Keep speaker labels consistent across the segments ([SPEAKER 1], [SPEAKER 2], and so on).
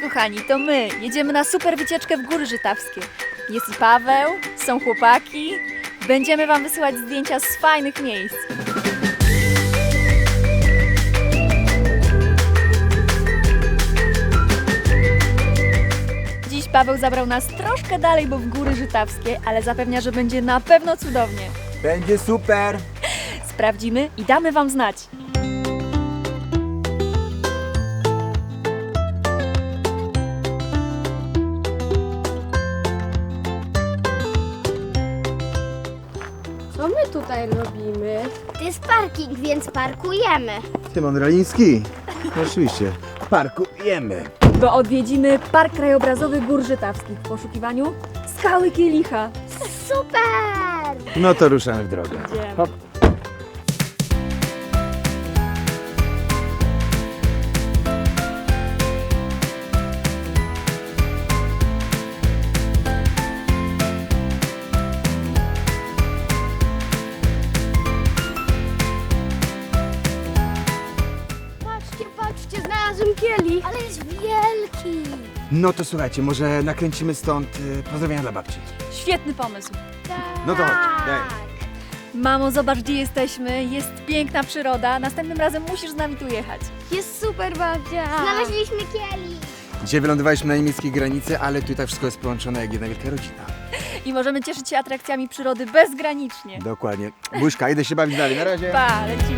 [SPEAKER 1] kochani, to my. Jedziemy na super wycieczkę w Góry Żytawskie. Jest i Paweł, są chłopaki. Będziemy wam wysyłać zdjęcia z fajnych miejsc. Dziś Paweł zabrał nas troszkę dalej, bo w Góry Żytawskie, ale zapewnia, że będzie na pewno cudownie.
[SPEAKER 2] Będzie super!
[SPEAKER 1] Sprawdzimy i damy wam znać.
[SPEAKER 3] Co my tutaj robimy? To jest parking, więc parkujemy.
[SPEAKER 2] Szymon Raliński. No oczywiście. Parkujemy.
[SPEAKER 1] Bo odwiedzimy Park Krajobrazowy Gór Żytawskich w poszukiwaniu Skały Kielicha.
[SPEAKER 3] Super!
[SPEAKER 2] No to ruszamy w drogę.
[SPEAKER 1] Idziemy.
[SPEAKER 2] Hop.
[SPEAKER 3] Patrzcie, patrzcie, znalazłem kielich. Ale jest wielki.
[SPEAKER 2] No to słuchajcie, może nakręcimy stąd pozdrowienia dla babci.
[SPEAKER 1] Świetny pomysł.
[SPEAKER 2] No to chodź, daj.
[SPEAKER 1] Mamo, zobacz, gdzie jesteśmy. Jest piękna przyroda. Następnym razem musisz z nami tu jechać.
[SPEAKER 3] Jest super, babcia. Znaleźliśmy kielich.
[SPEAKER 2] Dzisiaj wylądowaliśmy na niemieckiej granicy, ale tutaj wszystko jest połączone jak jedna wielka rodzina.
[SPEAKER 1] I możemy cieszyć się atrakcjami przyrody bezgranicznie.
[SPEAKER 2] Dokładnie. Buźka, idę się bawić dalej. Na razie.
[SPEAKER 1] Pa, lecimy.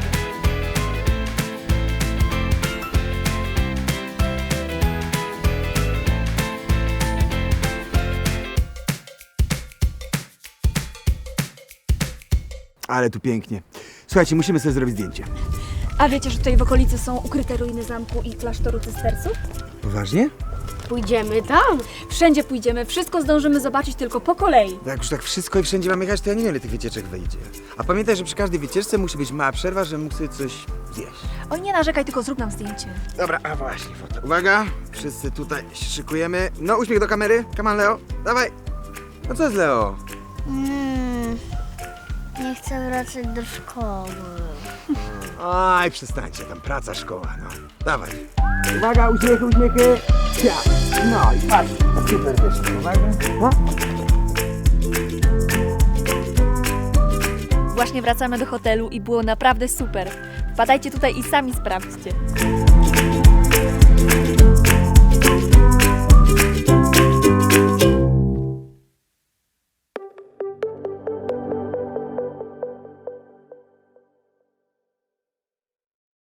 [SPEAKER 2] Ale tu pięknie. Słuchajcie, musimy sobie zrobić zdjęcie.
[SPEAKER 1] A wiecie, że tutaj w okolicy są ukryte ruiny zamku i klasztoru cystersów?
[SPEAKER 2] Poważnie?
[SPEAKER 3] Pójdziemy tam.
[SPEAKER 1] Wszędzie pójdziemy, wszystko zdążymy zobaczyć tylko po kolei.
[SPEAKER 2] Jak już tak wszystko i wszędzie mamy jechać, to ja nie wiem, ile tych wycieczek wyjdzie. A pamiętaj, że przy każdej wycieczce musi być mała przerwa, żebym mógł sobie coś zjeść.
[SPEAKER 1] Oj, nie narzekaj, tylko zrób nam zdjęcie.
[SPEAKER 2] Dobra, a właśnie, foto. Uwaga, wszyscy tutaj się szykujemy. No, uśmiech do kamery. Come on, Leo. Dawaj. No co jest, Leo?
[SPEAKER 3] Nie chcę wracać do szkoły.
[SPEAKER 2] Aj, przestańcie, tam praca, szkoła, no. Dawaj. Uwaga, uśmiechy, uśmiechy. Ciao. No i patrz, super wyszło. Uwaga. No.
[SPEAKER 1] Właśnie wracamy do hotelu i było naprawdę super. Wpadajcie tutaj i sami sprawdźcie.